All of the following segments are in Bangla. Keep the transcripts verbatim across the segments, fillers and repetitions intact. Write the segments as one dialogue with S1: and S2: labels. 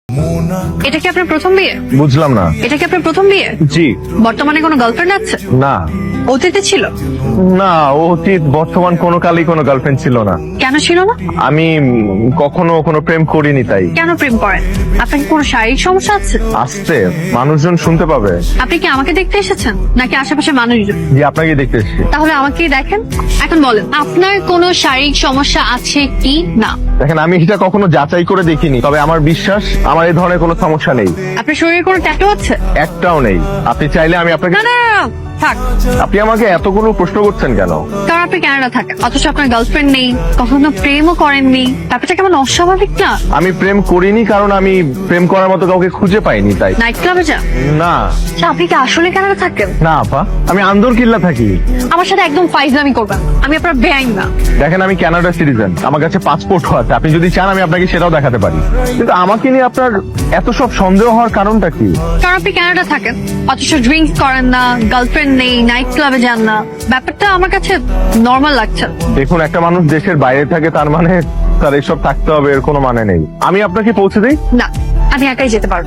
S1: এটা কি আপনার প্রথম বিয়ে?
S2: বুঝলাম না।
S1: এটা কি আপনার প্রথম বিয়ে?
S2: জি।
S1: বর্তমানে কোনো গার্লফ্রেন্ড আছে?
S2: না
S1: অতীতে ছিল?
S2: না, অতীত বর্তমান কোনো কালই কোনো গার্লফ্রেন্ড ছিল না।
S1: কেন ছিল না?
S2: আমি উম, কখনো কোনো প্রেম করিনি তাই।
S1: কেন প্রেম করেন? আপনার কি কোনো শারীরিক সমস্যা আছে?
S2: আসতে মানুষজন শুনতে পাবে।
S1: আপনি কি আমাকে দেখতে এসেছেন নাকি আশেপাশে মানুষজন?
S2: জি, আপনাকে দেখতে এসেছি।
S1: তাহলে আমাকেই দেখেন। এখন বলেন আপনার কোনো শারীরিক সমস্যা আছে কি না?
S2: দেখেন, আমি এটা কখনো যাচাই করে দেখিনি, তবে আমার বিশ্বাস আমার এই ধরনের কোনো সমস্যা নেই।
S1: আপনার শরীরে কোনো ট্যাটু আছে?
S2: একটাও নেই। আপনি চাইলে আমি আপনাকে।
S1: না না না, না, থাক।
S2: আপনি আমাকে এতগুলো প্রশ্ন করছেন কেন?
S1: কারণ আপনি কানাডা থাকেন, অথচ আপনার গার্লফ্রেন্ড নেই, কখনো প্রেমও করেননি। ব্যাপারটা কেমন অস্বাভাবিক না?
S2: আমি প্রেম করিনি কারণ আমি প্রেম করার মতো কাউকে খুঁজে পাইনি তাই।
S1: নাইট ক্লাবে যান?
S2: না
S1: আচ্ছা, আপনি কি আসলে কানাডা থাকেন?
S2: না আপা, আমি আন্দর কিল্লা থাকি।
S1: আমার সাথে একদম ফাইজলামি করবেন, আমি আপনার বেআইন না।
S2: দেখেন, আমি কানাডা সিটিজেন, আমার কাছে পাসপোর্টও আছে। আপনি যদি চান আমি আপনাকে সেটাও দেখাতে পারি। কিন্তু আমাকে নিয়ে আপনার এত সব সন্দেহ হওয়ার কারণটা কি?
S1: কারণ আপনি কানাডা থাকেন, অথচ ড্রিঙ্কস করেন না, গার্লফ্রেন্ড নেই, নাইট ক্লাবে যান না। ব্যাপারটা আমার কাছে নর্মাল লাগছে।
S2: দেখুন, একটা মানুষ দেশের বাইরে থাকে তার মানে তার এসব থাকতে হবে এর কোনো মানে নেই। আমি আপনাকে পৌঁছে দিই।
S1: না, আমি একাই যেতে পারবো।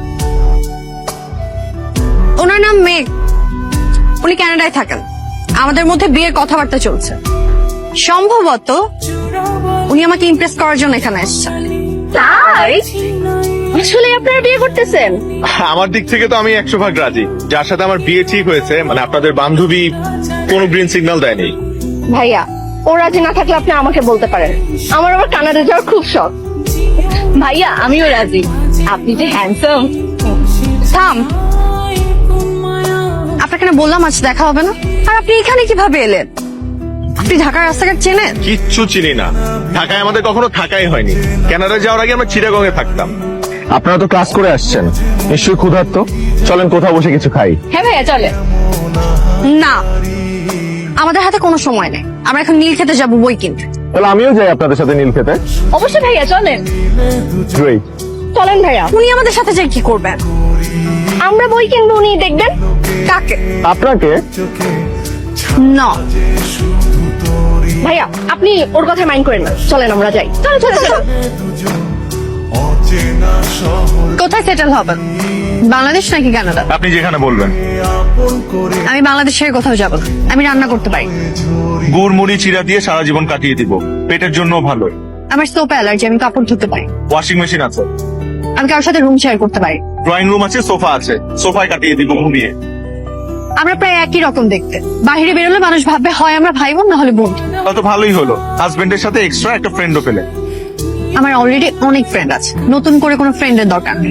S1: ওনার নাম মেঘ, উনি কানাডায় থাকেন। আমাদের মধ্যে বিয়ের কথাবার্তা চলছে। সম্ভবত উনি আমাকে ইমপ্রেস করার জন্য এখানে এসেছেন। তাই আসলে আপনারা বিয়ে করতেছেন?
S2: আমার দিক থেকে তো আমি একশো ভাগ রাজি। যার সাথে আমার বিয়ে ঠিক হয়েছে, মানে আপনাদের বান্ধবী কোনো গ্রিন সিগন্যাল দেয়নি।
S3: ভাইয়া, ও রাজি না থাকলে আপনি আমাকে বলতে পারেন। আমার আবার কানাডা যাওয়ার খুব শখ। ভাইয়া, আমিও রাজি। আপনি যে হ্যান্ডসাম।
S1: থাম, আপনাকে না বললাম আজ দেখা হবে না? আর আপনি এখানে কিভাবে এলেন? আপনি ঢাকার রাস্তাঘাট চেনেন?
S2: কিচ্ছু চিনি না। ঢাকায় আমাদের কখনো থাকাই হয়নি। কানাডা যাওয়ার আগে আমরা চিটাগং এ থাকতাম। আপনারা তো ক্লাস করে আসছেন, নিশ্চয়ই ক্ষুধার্ত। চলেন কোথাও বসে কিছু খাই।
S3: হ্যাঁ ভাইয়া, চলে।
S1: না, আমাদের হাতে কোনো সময় নেই। আমরা এখন নীল খেতে যাবো বই কিনতে।
S2: তাহলে আমিও যাই আপনাদের সাথে নীল খেতে।
S3: অবশ্যই ভাইয়া, চলেন।
S2: গ্রেট।
S3: চলেন ভাইয়া।
S1: উনি আমাদের সাথে যাই কি করবেন?
S3: আমরা বই কিনবো, উনি দেখবেন।
S1: কাকে?
S2: আপনাকে?
S1: না
S3: ভাইয়া, আপনি ওর কথা মাইন্ড করেন না। চলেন আমরা যাই। চলো চলো চলো।
S1: কোথায় সেটেল হবেন? বাংলাদেশ নাকি কানাডা?
S2: আপনি যেখানে বলবেন।
S1: আমি বাংলাদেশের কোথাও যাব না। আমি রান্না করতে পারি।
S2: গুড় মুড়ি চিরা দিয়ে সারা জীবন কাটিয়ে দিব। পেটের জন্য ভালো।
S1: আমার সোপ অ্যালার্জি, আমি কাপড় ধুতে পারি।
S2: ওয়াশিং মেশিন আছে।
S1: আমি কারোর সাথে রুম শেয়ার করতে পারি।
S2: ড্রয়িং রুম আছে, সোফা আছে। সোফায় কাটিয়ে দিব ঘুমিয়ে।
S1: আমরা প্রায় একই রকম দেখতে। বাইরে বেরোলে মানুষ ভাববে হয় আমরা ভাই বোন, না হলে বোন।
S2: তা তো ভালোই হলো, হাজবেন্ডের সাথে এক্সট্রা একটা ফ্রেন্ডও পেলে।
S1: আমার অলরেডি অনেক ফ্রেন্ড আছে, নতুন করে কোনো ফ্রেন্ডের দরকার নেই।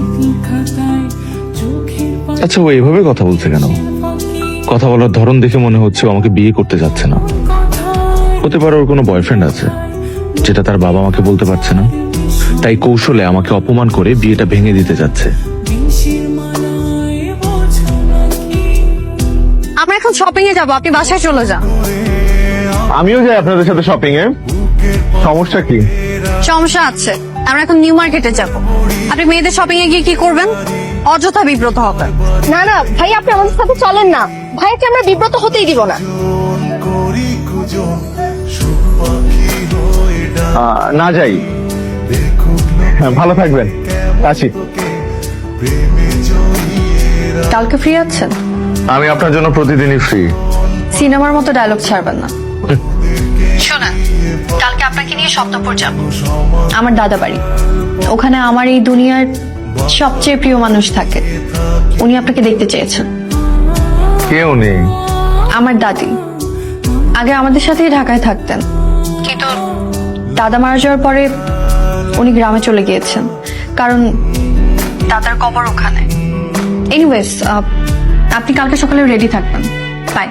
S4: আচ্ছা, ও এভাবে কথা বলছে কেন? কথা বলার ধরন দেখে মনে হচ্ছে ও আমাকে বিয়ে করতে যাচ্ছে না। হতে পারে ওর কোনো বয়ফ্রেন্ড আছে, যেটা তার বাবা আমাকে বলতে পারছে না, তাই কৌশলে আমাকে অপমান করে বিয়েটা ভেঙে দিতে যাচ্ছে।
S1: আমরা এখন শপিং এ যাবো, আপনি বাসায় চলে যান।
S2: আমিও যাই আপনাদের সাথে শপিং এ। সমস্যা কি?
S1: সমস্যা আছে। আমরা এখন নিউ মার্কেটে যাব। আপনি মেয়েদের শপিং এ গিয়ে কি করবেন? অযথা বিব্রত হবেন।
S3: না না ভাই, আপনি আমাদের সাথে চলেন না। ভাইকে আমরা বিব্রত হতেই দিব না।
S2: আহ, না যাই। হ্যাঁ, ভালো থাকবেন। আছি।
S1: কালকে ফ্রি আছেন?
S2: আমি আপনার জন্য প্রতিদিনই ফ্রি।
S1: সিনেমার মতো ডায়লগ ছাড়বেন না। শোনেন, কালকে আপনাকে নিয়ে সপ্তপুর যাব। আমার দাদা বাড়ি ওখানে। আমার এই দুনিয়ার সবচেয়ে প্রিয় মানুষ থাকে। উনি আপনাকে দেখতে চেয়েছেন।
S2: কেউ নেই।
S1: আমার দাদি আগে আমাদের সাথেই ঢাকায় থাকতেন, কিন্তু দাদা মারা যাওয়ার পরে উনি গ্রামে চলে গিয়েছেন, কারণ দাদার কবর ওখানে। এনিওয়েজ, আপনি কালকে সকালে রেডি থাকবেন। বাই।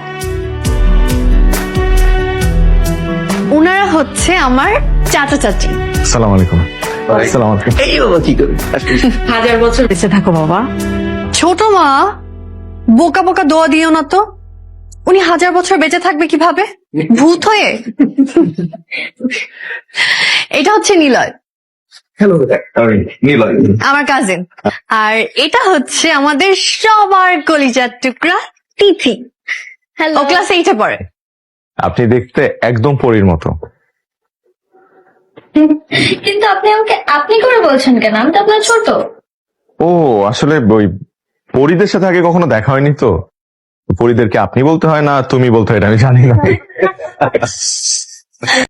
S1: ওনারা হচ্ছে আমার চাচা চাচি।
S2: সালাম আলাইকুম। সালাম আলাইকুম।
S5: এই বাবা কি করে হাজার বছর বেঁচে থাকো বাবা।
S1: ছোট মা, বোকা বোকা দোয়া দিও না তো। উনি হাজার বছর বেঁচে থাকবে কিভাবে? ভূত হয়ে? এটা হচ্ছে নিলয়,
S5: হ্যালো
S2: নিলয়।
S1: আমার কাজিন। আর এটা হচ্ছে আমাদের সবার কলিজার টুকরা তিথি। ও ক্লাস এইটে পড়ে।
S2: আপনি দেখতে একদম পরীর মতো।
S6: কিন্তু আপনি আমাকে আপনি করে বলছেন কেন? আমি তো আপনার ছোট।
S2: ও আসলে ওই পরিদের সাথে আগে কখনো দেখা হয়নি তো, পরিদেরকে আপনি বলতে হয় না তুমি বলতে হয় এটা আমি জানি না।